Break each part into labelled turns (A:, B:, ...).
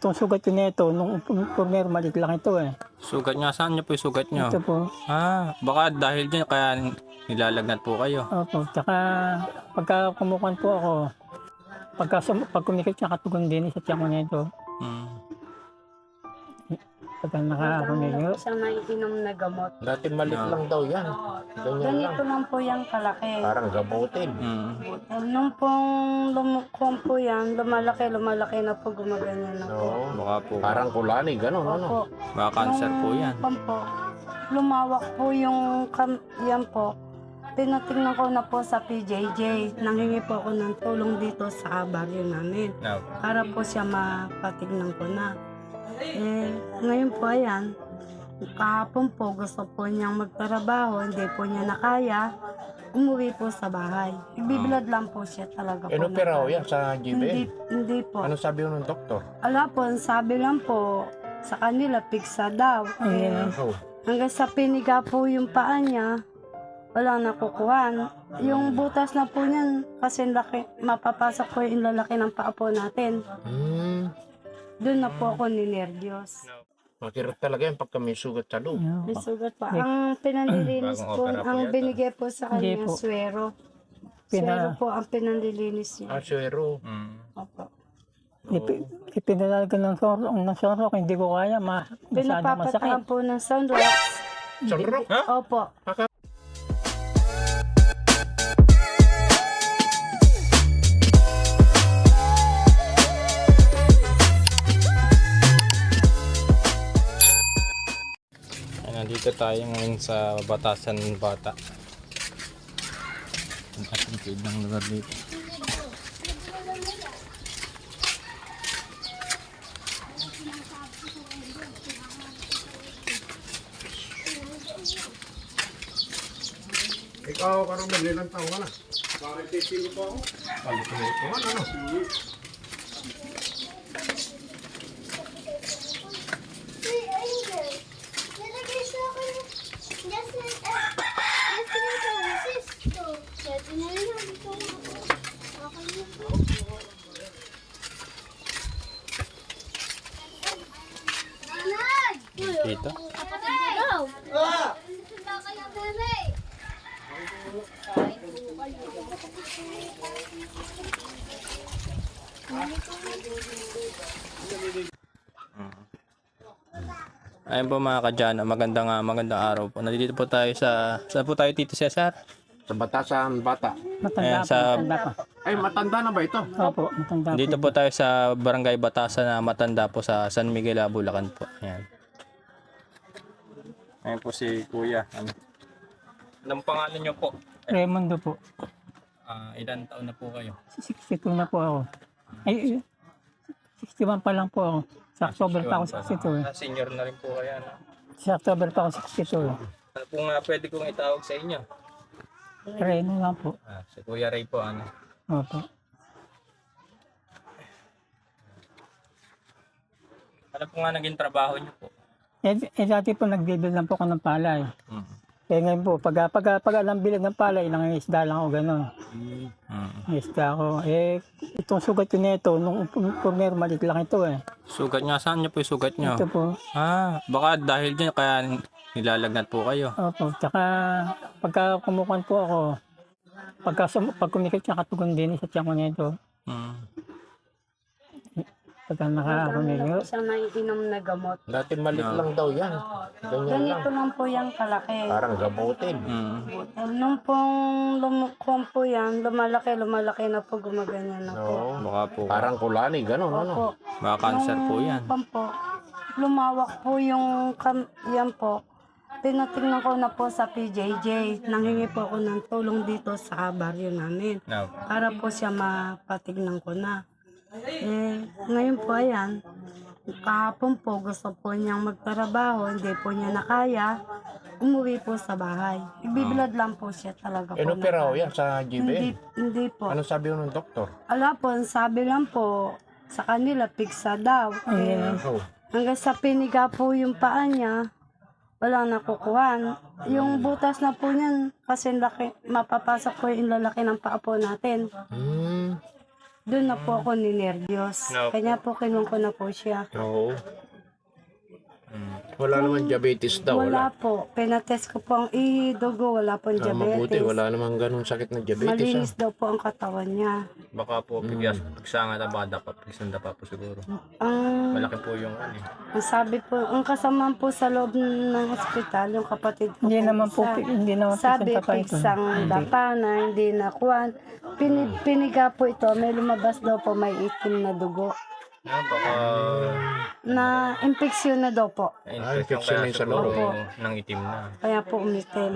A: itong sugat ko nito, nung former maliit lang ito eh.
B: Sugat niya, saan niyo po yung sugat niyo?
A: Ito po.
B: Baka dahil dyan kaya nilalagnat po kayo.
A: Opo. Tsaka pagka kumukuhan po ako, pag kumikit siya katugon din sa tiyan ko nito. Pagka nakakumiyo.
C: Siya naiinom na gamot.
D: Dati maliit lang daw yan. Ganyan lang.
C: Ganito lang po yung kalaki.
D: Parang gamutin.
C: Nung pong lumukuhan po yan, lumalaki na po, gumaganyan na po.
D: Oo.
B: Baka po,
D: Parang kulani, gano'n, ano?
C: Opo.
B: baka cancer po yan.
C: Po, lumawak po yung yan po. Tinatingnan ko na po sa PJJ. Nanghingi po ako ng tulong dito sa baryo namin.
B: No.
C: Para po siya mapatignan ko na. Ngayon po ayan, kahapon po gusto po niyang magtrabaho, hindi po niya nakaya, umuwi po sa bahay. Nagbibilad lang po siya talaga po.
D: Inopera ho yan sa GBL.
C: Hindi po.
D: Ano sabi ho ng doktor?
C: Ala po, ang sabi lang po sa kanila, piksa daw.
D: Oh.
C: Hanggang sa piniga po yung paa niya, walang nakukuhan. Yung butas na po niyan, kasi laki, mapapasok po yung lalaki ng paa po natin. Doon na po ako ninervyos.
D: Makirot talaga yan pagka may sugat sa loob.
C: May sugat pa. Ang pinanlilinis
B: Bagong
C: po,
B: opera po
C: ang
B: yata.
C: binigay po sa
A: Hindi
C: kanya,
A: po.
C: swero. Swero po ang pinanlilinis niya.
D: Suero.
C: Opo.
A: Ipinalaga ng soro, hindi ko kaya, masyadong masakit.
C: Pinapapataan po ng sunrock.
D: Sunrock?
C: Opo.
B: Nandito tayo ngayon sa Batasan Bata. Ang ating ng lugar dito.
D: Ikaw, Carmen, ilang taon ka na? Bakit titingo pa ako? Balik ko ano?
B: Dito. Ayun po mga kadyano, magandang araw po. Nandito po tayo saan po tayo, Tito Cesar?
D: Sa Batasan Bata.
A: Matanda
B: Ayan,
A: pa.
D: Ay, matanda na ba ito?
A: Opo, matanda
B: Dito po tayo sa Barangay Batasan na Matanda po sa San Miguel, Bulacan po. Ayan. Ayan po si Kuya. Anong pangalan niyo po?
A: Raimundo po.
B: Ilan taon na po kayo?
A: 62 na po ako. Ay, 61 pa lang po ako. Sa October pa ako 62 eh.
B: Senior na rin po kayo. Ano?
A: Sa October pa ako 62 eh.
B: Ano po nga pwede kong itawag sa inyo?
A: Reno lang po.
B: Si Kuya Ray po. Ano?
A: Opo.
B: Ano po nga naging trabaho niyo po?
A: Dati po nagbibil lang po ako ng palay. Ngayon po, pag alam bilag ng palay, ilang isda lang ako gano'n. Isda ako. Itong sugat ko nito, nung former maliit lang ito eh.
B: Sugat niya, saan niyo po yung sugat niyo?
A: Ito po.
B: Baka dahil dyan kaya nilalagnat po kayo.
A: Opo. Tsaka pagka kumukuhan po ako, pag kumikit siya katugon din sa tiyan ko nito. Pagka nakakumiyo.
C: Siya naiinom na gamot.
D: Dati maliit lang daw yan. Ganyan lang.
C: Ganito lang po yung kalaki.
D: Parang gamutin.
C: Nung pong lumukuhan po yan, lumalaki na po, gumaganyan na po.
D: Oo.
B: Baka po,
D: Parang kulani, gano'n, ano?
C: Opo.
B: baka cancer po yan.
C: Po, lumawak po yung yan po. Tinatingnan ko na po sa PJJ. Nanghingi po ako ng tulong dito sa baryo namin.
B: No.
C: Para po siya mapatignan ko na. Ngayon po ayan, kahapon po gusto po niyang magtrabaho, hindi po niya nakaya, umuwi po sa bahay. Nagbibilad lang po siya talaga po.
D: Inopera ho yan sa GBL.
C: Hindi po.
D: Ano sabi ho ng doktor?
C: Ala po, ang sabi lang po sa kanila, piksa daw.
D: Oh.
C: Hanggang sa piniga po yung paa niya, walang nakukuhan. Yung butas na po niyan, kasi laki, mapapasok po yung lalaki ng paa po natin. doon na po ako ninervyos.
B: No.
C: Kanya po kinuha ko na po siya.
D: Oo. Wala naman diabetes daw.
C: Wala po. Pinatest ko po ang dugo. Wala pong
D: Mabuti,
C: diabetes.
D: wala naman ganun sakit na diabetes.
C: Malinis daw po ang katawan niya.
B: Baka po, pigsanga na bada pa, pigsanda pa po siguro.
C: Ang,
B: Malaki po yung ano eh.
C: ang sabi po, ang kasama po sa loob ng ospital, yung kapatid ko
A: Hindi
C: po
A: naman po,
C: isa.
A: hindi naman po
C: Sabi,
A: sinta pa ito.
C: pigsang dapa na, hindi na kuwan. Piniga po ito, may lumabas daw po, may itim na dugo.
B: Baka
C: Na infeksyon na daw po.
B: infection
D: infection
B: kaya
D: na yung sa
B: siguro
C: loob.
B: ng itim na.
C: Kaya po umitim.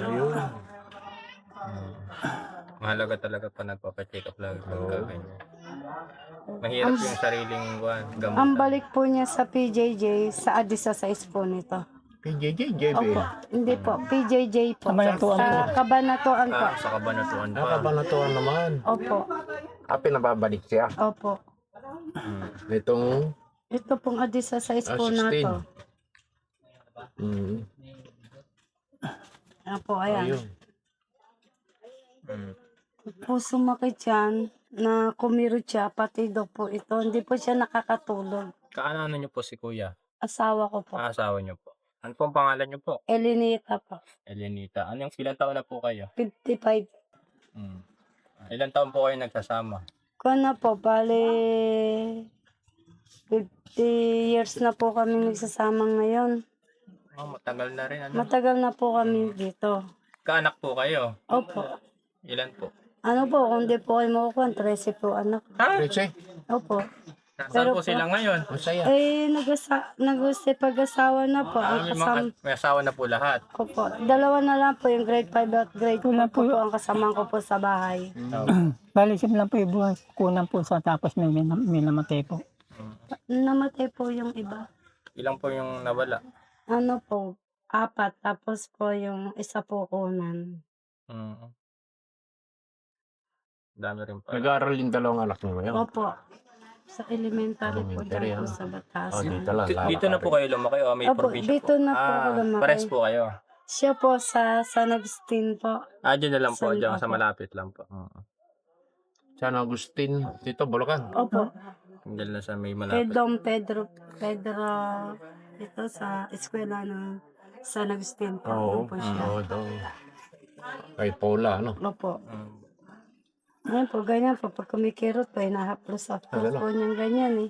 B: Mahalaga talaga pa nagpapacheck up lagi pagka ganyan. Mahirap yung sariling gamot.
C: Ang balik po niya sa PJJ, sa Adisa sa po nito.
D: PJJ, JB.
C: Opo, hindi po, PJJ po.
A: Kabanatuan
C: Sa Kabanatuan po.
B: Sa kabanatuan pa.
D: Nakabanatuan naman.
C: Opo,
D: Pinababalik siya.
C: opo.
D: Itong,
C: Ito pong Adisa sa po
D: 16.
C: na to.
D: mm,
C: Ayan po, ayan.
D: ayun.
C: Po sumakit yan, na kumirot siya, pati daw po ito. Hindi po siya nakakatulog.
B: Kaano niyo po si kuya?
C: Asawa ko po.
B: Asawa niyo po. Ano po ang pangalan niyo po?
C: Elinita po.
B: Elenita. Ilang taon na po kayo?
C: 55.
B: Ilang taon po kayo nagsasama?
C: Kung na po, bali 50 years na po kami nagsasama ngayon.
B: Matagal na rin. Ano?
C: Matagal na po kami dito.
B: Kaanak po kayo?
C: Opo.
B: Ilan po?
C: Ano po, kung di po kayo makukuha, 13 po anak.
D: Riche,
C: Opo.
B: Nasaan po sila ngayon?
D: masaya.
C: Eh, pag-asawa na po. Ang
B: May asawa na po lahat.
C: ko po. Dalawa na lang po yung grade 5 at grade 4
A: Wala
C: po,
A: po.
C: ang kasama ko po sa bahay.
A: Bali, sim lang po yung buhay. Kunan po sa tapos may namatay po.
C: Namatay po yung iba.
B: Ilang po yung nawala?
C: Ano po, 4. Tapos po yung isa po kunan.
B: Dami rin pa.
D: Nag-aaral yung dalawang anak mo ngayon.
C: Opo. Sa elementary po
D: Elementary,
C: dyan po
D: ano?
C: sa Batas.
D: Dito lang.
B: Dito na po kayo lumaki o may
C: Opo,
B: probinsya
C: dito
B: po?
C: na po ako lumaki.
B: Pares po kayo?
C: Siya po sa San Agustin po.
B: Dyan na lang po.
C: San-
B: Dyan sa
C: opo.
B: malapit lang po.
D: San Agustin, dito, Bulacan.
C: Opo.
B: Dyan lang sa may
C: Kay
B: malapit.
C: Dom Pedro, ito sa eskwela ng San Agustin po.
D: Oo,
C: Doon po siya.
D: oo, daw. Kay Paula, ano?
C: Opo.
B: Mm.
C: Ngayon po, ganyan po. Pag kumikirot po, hinahaplos-haplos po niyang ganyan eh.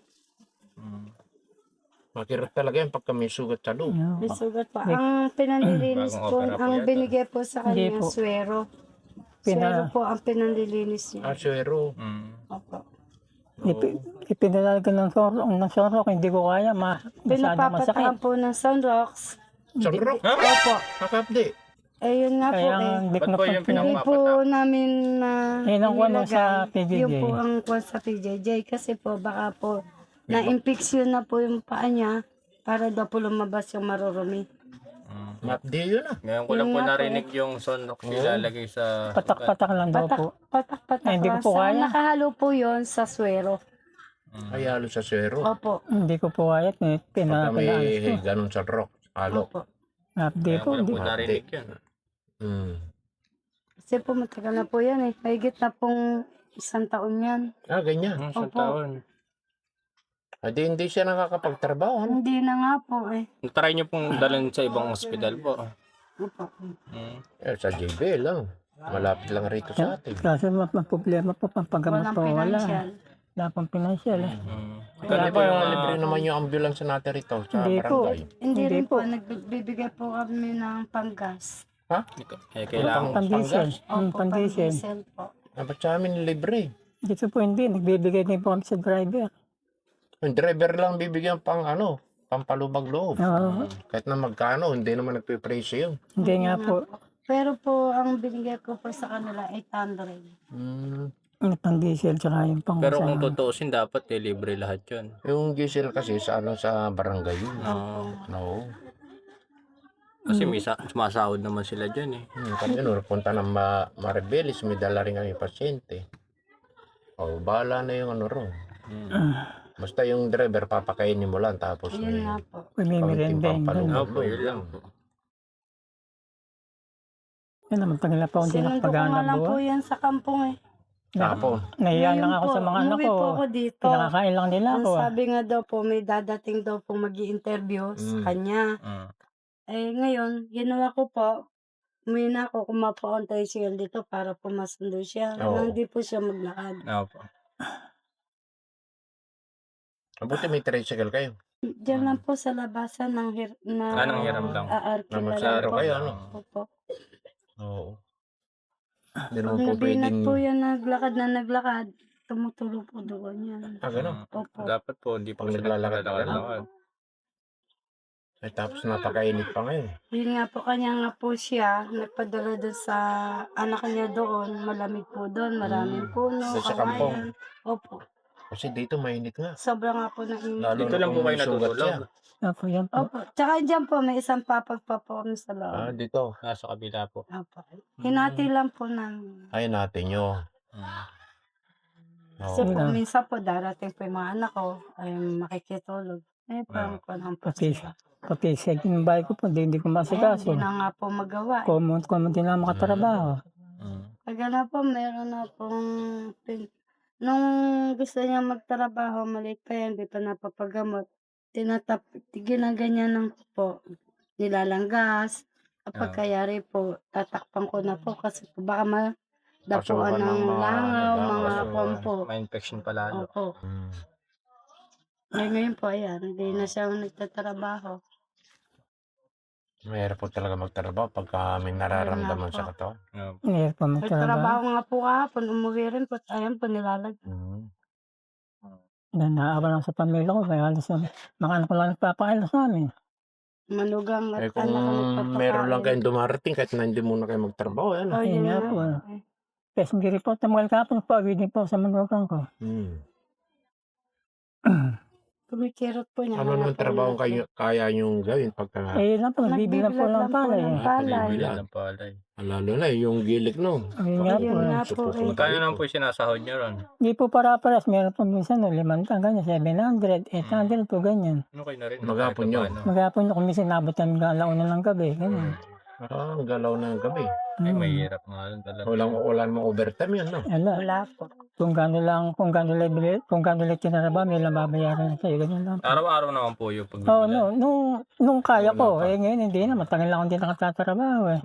D: Makirot talaga yan pagka may sugat sa loob.
C: May sugat po. Ang pinanlilinis
B: Bagong
C: po,
B: opera po
C: ang
B: yata.
C: binigay po sa
A: Hindi
C: kanya,
A: po.
C: swero.
A: Pina-
C: Swero po ang pinanlilinis niya.
D: Aswero.
C: Opo.
A: Ipinalaga ng sorok, hindi ko kaya. Masyadong masakit.
C: Pinapapatahan po ng Sunrocks.
D: Sunrock?
C: Opo.
D: Nakapdi.
C: Eh, yun nga po
A: Kaya
C: eh.
A: hindi ko
B: Ba't
A: na
B: po yung
C: Hindi
B: pinapapata?
C: po namin na
A: Yun ang kuwan sa PJJ.
C: Yun po ang kuwan sa PJJ. Kasi po baka po na-infeksyon na po yung paa niya para daw po lumabas yung marurumi.
D: Mapdi yun ah.
B: Ngayon ko lang
C: Yun
B: po
C: nga po
B: narinig yung sonok ilalagay sa...
A: patak-patak lang daw po.
C: Patak-patak
A: Ay, hindi ko
C: lang.
A: po
C: Sa-
A: kaya.
C: Nakahalo po yon sa swero.
D: Ay, halo sa swero.
C: Opo.
A: Hindi ko po kaya.
D: Pagka
A: Pinaalis
D: may
A: ko.
D: ganun sa rock. Halo.
C: Opo.
A: Hindi
B: Ngayon
A: po.
B: ko lang
A: Hindi.
B: po narinig yun.
C: Kasi po matagal na po yan eh. Mahigit na pong 1 taon yan.
D: Ganyan.
B: Isang
C: Opo.
B: taon.
D: Hindi siya nakakapagtrabaho. Ano?
C: Hindi na nga po eh.
B: Try nyo pong dalhin sa ibang ospital po.
C: Opo.
D: Sa JB lang. Malapit lang rito sa atin.
A: Kasi problema po, pampagamot
C: Walang
A: po wala.
C: financial.
A: Wala pong financial eh.
D: Kaya po yung libre naman yung ambulance natin rito sa
A: Hindi po.
D: barangay.
C: Hindi
A: Hindi
C: rin po.
A: po.
C: Nagbibigay po kami ng panggas.
B: Kailangan.
A: Pandiesel.
C: Opo,
A: Pandiesel.
C: pang-diesel po.
D: Ba't sa amin libre?
A: Dito po hindi. Nagbibigay din po kami sa driver.
D: Yung driver lang bibigyan pang pampalubag loob.
A: Oo.
D: Kahit na magkano, hindi naman nagpipresyo yun.
A: Hindi nga po.
C: Pero po, ang binigay ko po sa kanila, 800.
A: Yung pang-diesel tsaka yung pang...
B: Pero kung tutuusin, dapat libre lahat yun.
D: Yung diesel kasi sa sa barangay yun. No.
B: Kasi may sumasahod naman sila dyan eh.
D: Kasi punta ng Maribelis, may dala rin ang pasyente. Bahala na yung ron. Basta yung driver, papakainin mo lang tapos
C: Ayun nga po.
A: May merenda yun.
B: Opo, yun lang po.
A: Yan naman, tagal na po hindi
C: Sinundo ko nga
A: nakapagana
C: lang po
A: buwan.
C: yan sa kampong eh.
D: Tapon.
A: Nahiya lang
C: Ngayon
A: ako
C: po,
A: sa mga anak
C: umuwi
A: ko.
C: po ako dito.
A: Pinakakain lang nila
C: Ang
A: ako.
C: sabi nga daw po, may dadating daw po mag-i-interview sa kanya.
B: Mm.
C: Eh, ngayon, ginawa ko po, umuwi na ako, kumapo akong tricycle dito para po masundo siya.
D: Oo.
C: Nang di po siya maglakad.
B: Opo.
D: Mabuti may tricycle kayo.
C: Diyan lang po sa labasan ng
B: Anong hiram lang?
C: aarkila
D: Naman
C: lang
D: sa araw
C: po.
D: kayo, ano?
C: Opo.
D: Oo. Hindi
C: Pag
D: naman po
C: nabinat
D: pwedeng...
C: po yan naglakad, tumutulog po doon yan.
D: Ah, gano'n.
C: Opo.
B: Dapat po, hindi po
D: Pag
B: sila
D: naglalakad ka lang.
B: naglalakad.
D: Ay, tapos napakainit pa ngayon.
C: Yun nga po, kanya nga po siya, nagpadala doon sa anak niya doon, malamig po doon, maraming puno,
D: Doon sa kampong.
C: kawayan. Opo.
D: Kasi dito mainit nga.
C: Sobrang nga po ng init.
D: Lalo
B: Dito
D: na
B: lang po
D: kung
B: kayo
D: may sugat
B: natutulog.
D: siya.
A: Opo, yan po.
C: Opo. Tsaka dyan po, may isang papag pa po kami sa
D: Ah,
C: loob.
D: dito.
B: Nasa kabila po.
C: Opo. Hinati lang po namin.
D: Ay, natin nyo.
B: Mm.
C: Kasi
D: Oo.
C: po, minsan po, darating po yung mga anak ko, ay makikitulog. Eh, parang ko lang po
A: Pati,
C: sila.
A: pati second buy ko po, hindi ko
C: Eh,
A: masikaso.
C: hindi na nga po magawa.
A: Common din na makatrabaho.
B: Mm.
C: Kaya na po, meron na pong nung gusto niya magtrabaho, maliit pa yan, di pa napapagamot. Ginaganyan ko po, nilalanggas. Kapag
B: Ah.
C: kayari po, tatakpan ko na po kasi po baka
D: Pasukan
C: dapuan
D: ng
C: ng
D: mga
C: langaw,
D: langaw,
C: mga
B: Kaso,
C: kwampo.
B: may infection pa lalo.
C: Opo.
D: Hmm.
C: Ngayon po, ayan, hindi na siya nagtatrabaho.
D: Mahirap po talaga magtrabaho pagka may nararamdaman
C: Ayun nga
D: sa
C: po.
D: katawan.
B: Opo.
A: Hindi po
C: Nagtrabaho
A: magtrabaho.
C: nga po kahapon, umuwi rin po, ayan po, nilalag.
D: Hmm.
A: Naawa lang sa pamilya ko. Kaya halos mga anak ko lang nagpapakain sa amin.
C: Manugang
D: Eh
C: at
D: kung
C: anak ang nagpapakain.
D: meron lang kayong dumarating kahit na hindi muna kayo magtrabaho, yan.
C: Oh,
A: Ayun
C: yun
A: nga
C: nga
A: po.
C: po.
A: Kasi hindi rin po tamal kapon. Pag-ibig po sa manugang ko.
D: Hmm.
C: Kumikirot po niya.
D: Ano
C: kaya
D: naman
C: po
D: trabaho
C: natin.
D: kayo, kaya niyong gawin pagka...
A: Eh, lang po. Nagbibilang po lang pala.
C: ng
A: Eh.
C: palay.
D: Bilang.
B: Bilang palay.
D: Lalo na yung gilik no.
A: Ayun nga po.
C: Ayun nga po.
D: Supupunta
B: Magkano
D: dito.
B: naman po yung sinasahod niyo ron?
A: Hindi po para-paras. Meron po minsan 500, ganyan. 700, 800 po ganyan.
B: Ano kayo na rin?
D: Maghapon
B: kahit
D: yun.
B: paano.
A: Maghapon kung minsan nabot kami alauna ng gabi. Ganyan.
D: Ah, ang galaw na ng gabi.
B: Ay,
A: Hmm.
B: mahirap nga rin talaga.
D: Wala namang overtime yun, no?
A: Ala,
C: Wala po.
A: kung gano'n lang tinaraba, may lang babayaran na sa'yo. Ganyan lang.
B: Araw-araw naman po yung
A: Oo,
B: pagbibilan.
A: no, nung kaya
B: Wala
A: ko.
B: pa.
A: Eh, ngayon hindi na. Matagal lang akong hindi nakatatrabaho eh.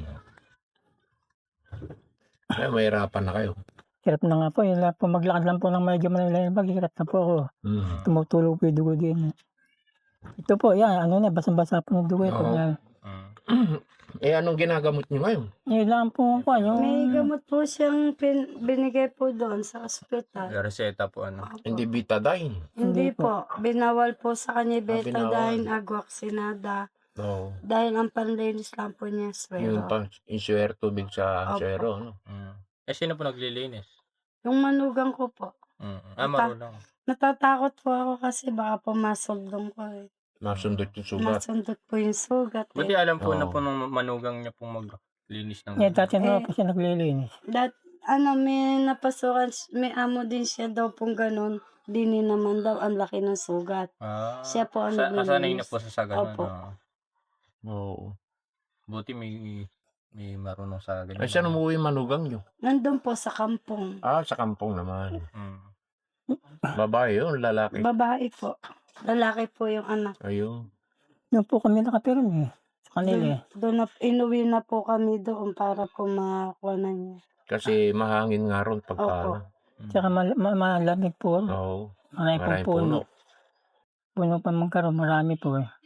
D: Kaya mahirapan na kayo.
A: Hirap na nga po. Yung po maglakad lang po ng medyo malalim. Hirap na po ako.
D: Hmm.
A: Tumutulog po yung dugo din. Ito po, yan. Ano na, basang-basa po ng dugo.
D: Oo.
A: Pag yan.
B: Mm.
D: Eh, anong ginagamot niyo ngayon?
A: Yun lang po ako. Yung,
C: May gamot po siyang binigay po doon sa ospital.
B: Reseta po ano.
D: Hindi betadine.
C: Hindi
A: Hindi
C: po. Binawal po sa kanya
D: binawal.
C: betadine, agwaksinada.
D: No.
C: Dahil ang panlinis lang po niya
D: Yung
C: swero.
D: pang insuer tubig sa
C: Opo.
D: suero, no?
B: Mm. Eh, sino po naglilinis?
C: Yung manugang ko po.
B: Mm. Ah, marunong.
C: Natatakot po ako kasi baka po masuldong ko eh.
D: Masundot yung sugat.
C: Masundot po yung sugat
B: Buti
C: eh.
B: alam po na
D: Oo.
B: po nung manugang niya pong maglinis ng
A: yan, dati
C: Eh,
A: na po siya naglilinis.
C: May napasukan, may amo din siya daw pong ganun. Dini naman daw, ang laki ng sugat.
B: Ah,
C: Siya po ang
B: nasanay na
C: naglilinis.
B: po sa ganun.
C: Opo.
B: ah.
D: Oo.
B: Buti may marunong sa ganyan.
D: Ay, saan umuwi manugang nyo?
C: Nandun po sa kampong.
D: Ah, sa kampong naman.
B: Mm.
D: Babae yun, lalaki.
C: Babae po. Lalaki po yung anak.
D: Ayun.
A: Doon po kami nakapiram eh. Sa kanila eh.
C: Doon na, inuwi na po kami doon para po makakuha na niya.
D: Kasi mahangin nga ron pagka
C: Opo.
D: ano.
A: Tsaka malamig po.
D: Oo.
A: Marami pong
D: Maraming
A: puno.
D: puno.
A: Puno pa magkaroon. Marami po eh.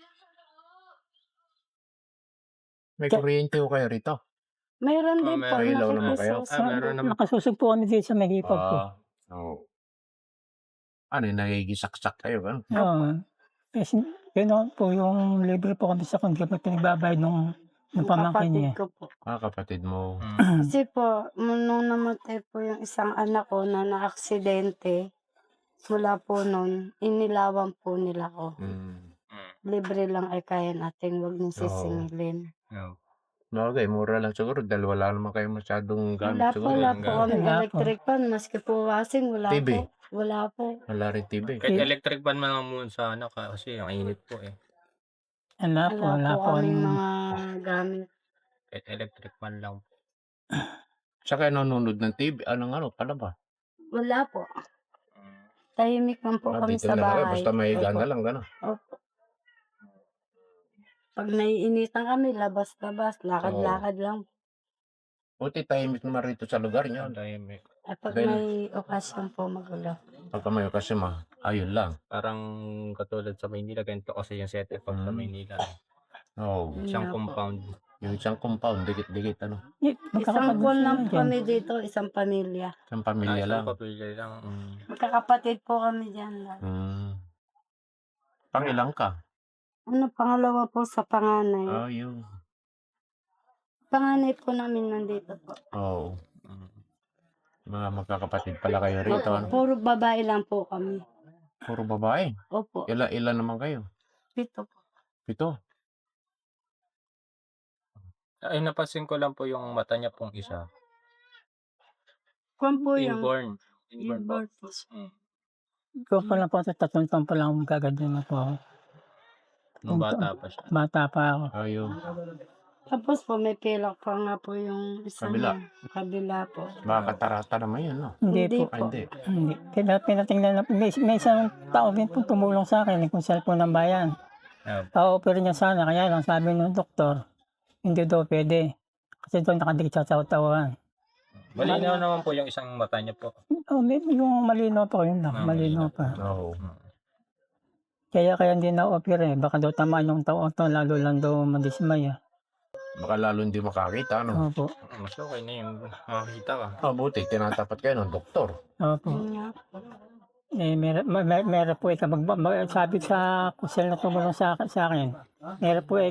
D: May kuryente ko kayo rito.
C: Mayroon din po.
B: may
D: ilaw naman kayo.
C: nakikisusok.
B: meron naman.
A: Nakasusog po kami dito sa may hipag po.
D: Oo. Ano, nagigisaksak kayo, ano?
A: Oo. Kasi yun po yung libre po kami sa kundi pa pinagbabayad nung pamangkin niya.
C: Kapatid ko po.
D: Ah, kapatid mo.
B: Mm.
C: Kasi po, nung namatay po yung isang anak ko na na-aksidente, mula po nun, inilawan po nila ko.
D: Mm.
B: Mm.
C: Libre lang ay kaya natin, wag niyong sisingilin.
B: Yeah.
D: Okay, mura lang siguro dahil wala naman kayo masyadong gamit
C: Wala po,
D: siguro.
C: wala po kami
A: Wala po.
C: electric fan, maski po washing, wala
D: TV.
C: po. Wala po.
D: Wala rin TV.
B: Kahit electric fan man lang muna sa ano kasi ang init po eh.
A: Wala po.
C: Wala po kaming
A: kaming-
C: mga gamit.
B: Kahit electric fan lang.
D: Saka nanonood ng TV, anong ano, palaba.
C: Wala po. Tahimik lang po kami
D: Dito
C: sa
D: na lang kayo,
C: bahay.
D: basta may
C: Opo.
D: gana lang, gano'n.
C: Opo. Pag naiinitan kami, labas-labas, lakad-lakad lang.
D: Buti tahimik naman rito sa lugar niyo.
B: Tahimik.
C: At pag
D: Dahil-
C: may okasyon po magulo.
D: Pagka may kasi ayun lang.
B: Parang katulad sa Maynila, ganito kasi yung setup pag sa Maynila.
D: Oo.
B: Isang
C: Nga po.
B: compound.
D: Yung isang compound, dikit-dikit, ano.
C: Isang buwan lang po
A: dyan.
C: kami dito, isang pamilya.
D: Isang pamilya lang.
B: Isang pamilya lang.
C: Magkakapatid po kami dyan.
D: Pangilang ka?
C: Pangalawa po sa panganay.
D: Yun.
C: Panganay po namin nandito po.
D: Oo. Mga magkakapatid pala kayo rito, ano.
C: Puro babae lang po kami.
D: Puro babae.
C: Opo,
D: Ilan naman kayo?
C: dito po.
D: 7.
B: Ay, napansin ko lang po yung mata niya pong isa.
C: Kung po yung
B: Inborn. Inborn po.
C: inborn po.
A: Ikaw pa lang po, 3 taon pa lang magaganyan na po ako.
B: Nung bata pa siya.
A: Bata pa ako.
D: Ayun.
C: Tapos po may pilak pa nga po yung isang
D: Kabila.
C: kabila po.
D: Mga katarata naman yun, no?
A: Hindi
C: Hindi
A: po.
D: Ay, hindi.
A: Hindi. Pinatingnan na, may isang tao din po tumulong sa akin, kung cellphone ng bayan. Pa-offer niya sana, kaya lang sabi ng doktor, hindi daw pwede. Kasi doon nakadikit sa tauhan.
B: Malinaw naman po yung isang mata niya po.
A: Yung malinaw pa, yun lang, malinaw pa.
D: Oo.
A: Kaya hindi na-offer eh. Baka daw tamaan yung tao to, lalo lang daw madismay.
D: Baka lalo hindi makakita, no?
A: Opo.
B: Mas okay na yung makakita ka.
D: Buti, tinatapat kayo ng doktor.
A: Opo.
C: Yun nga po.
A: Meron po sabi sa kusel na tumulong sa akin, meron po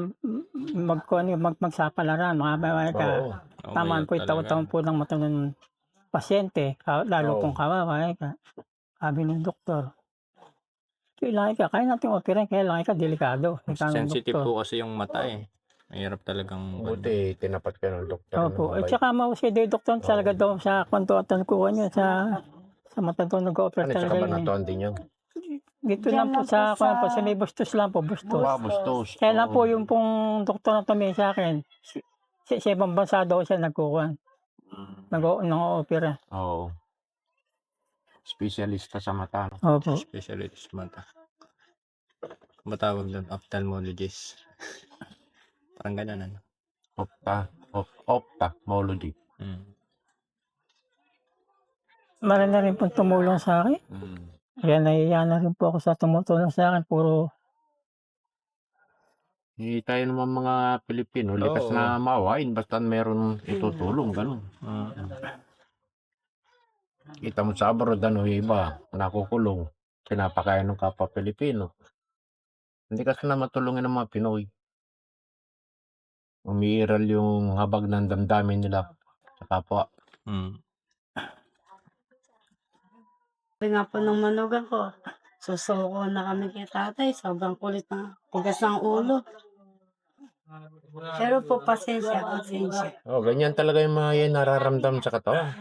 A: magsapalaran, mga ka.
D: Oo.
A: Tamaan po taon po ng mata ng pasyente, lalo pong kawawa. Sabi ng doktor, kailangan ka, kaya natin operan, kailangan ka, delikado.
B: Sensitive po kasi yung mata eh. Mahirap talagang...
D: Buti, tinapat kayo ng doktor.
A: Opo. At saka mausay daw yung doktor talaga daw sa kwantuatan ko niya sa mata daw nag-o-operate
D: Ano, sa
A: talaga.
D: kabanatuan din yun?
A: Dito
C: Diyan
A: lang po
C: lang
A: sa,
C: po sa-
A: sa may bustos lang po, bustos.
D: Bustos.
A: Kaya lang po yung pong doktor na tumingin sa akin, sa ibang bansa daw siya nagkukuhan. Nag-o-opera.
D: Oo. Specialista sa mata, no?
A: Opo.
B: Specialist mata. Matawag doon, ophthalmologist. Parang ganun ano.
D: Ophthalmology.
A: Marami na rin pong tumulong sa akin. Kaya nahiya na rin po ako sa tumutulong sa akin. Puro
D: Tayo naman mga Pilipino, likas
B: Oo.
D: na maawain, basta meron itutulong, gano'n. Kita mo sa abroad, iba, nakukulong, pinapakain ng kapwa Pilipino. Hindi kasi na matulungin ng mga Pinoy. Umiiral yung habag ng damdamin nila sa kapwa.
C: Sabi nga po ng manugang ko, susuko na kami kay tatay, sobrang kulit na tigas ng ulo. Pero po, pasensya.
D: Ganyan talaga yung mga yan nararamdam sa katawan.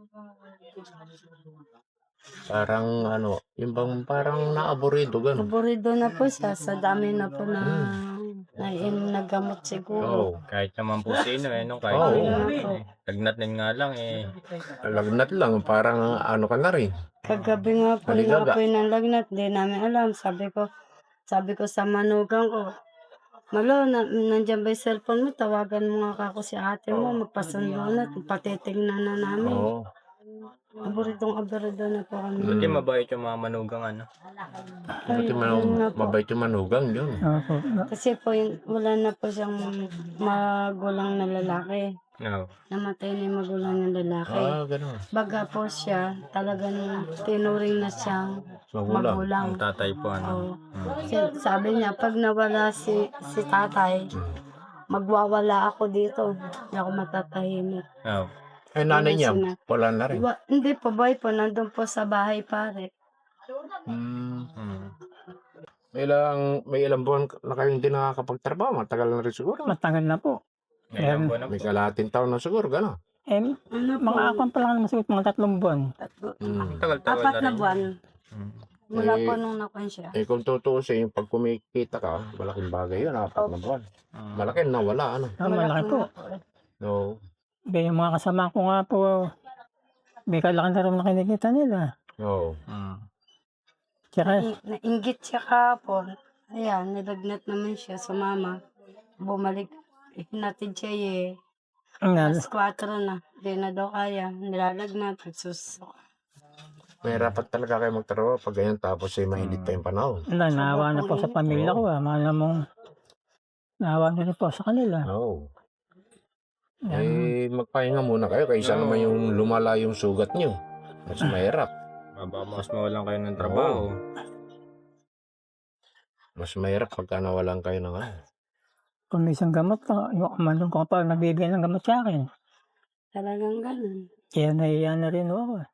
D: Parang yung bang parang naaburido, gano'n.
C: Aburido na po siya sa dami na po na nagamot siguro.
B: Kahit naman po sino kahit lagnat nga lang
D: Lagnat lang, parang ka na rin.
C: Kagabi nga po,
D: Maligaga.
C: nakapoy ng lagnat, di namin alam. Sabi ko sa manugang ko, Malo, nandiyan ba yung cellphone mo? Tawagan mo nga ako si ate mo, magpasundo na, patitignan na namin. Aburidong na po kami.
B: Buti mabait yung mga manugang
D: Mabait yung manugang yun.
A: opo.
C: Kasi po, wala na po siyang magulang na lalaki. Namatay na yung magulang ng lalaki.
D: Gano'n.
C: Baga po siya, talagang tinuring na siyang
D: Magulang.
C: magulang.
B: Ang tatay po
C: Oo. Sabi niya, pag nawala si tatay, magwawala ako dito. Hindi ako matatahimik.
D: Nanay niya,
C: Sina-
D: wala na rin.
C: Hindi po, boy po, nandun po sa bahay pare.
D: May ilang buwan na kayo hindi nakakapagtrabaho. Matagal na rin siguro.
A: Matagal na po.
B: Ngayon po na
D: May kalahating taon na siguro, gano'n.
C: Ano po,
A: Mga akong pa lang naman siguro, mga 3 buwan.
B: tagal-tagal
C: 4 na buwan. Mula
D: Eh,
C: po nung nakon siya.
D: Kung tutuusin, pag kumikita ka, malaking bagay yun, 4 na buwan. Malaki na wala,
A: Malaki po.
C: na po.
D: No.
A: Yung mga kasama ko nga po, may kalaki na rin na kinikita nila.
D: Oo.
A: Tsaka,
C: Nainggit siya kahapon. Ayan, nilagnat naman siya sa mama. Bumalik. Hinatid siya Alas 4 na. Di na daw kaya. Nilalagnat. Nagsusuka.
D: May rapat talaga kayo magtrabaho pag ganyan tapos mainit pa yung panahon.
A: naawa na po sa pamilya ko. Mahal mong naawa na rin po sa kanila.
D: Oo.
A: Yan.
D: Magpahinga muna kayo kaysa naman yung lumala yung sugat nyo. Mas mahirap.
B: Baka mas mawalan kayo ng trabaho.
D: Mas mahirap pagka nawalan kayo ng
A: Kung may isang gamot, yung kumanong ko pa nagbibigay ng gamot sa akin.
C: Talagang ganun.
A: Kaya nahiya na rin ako.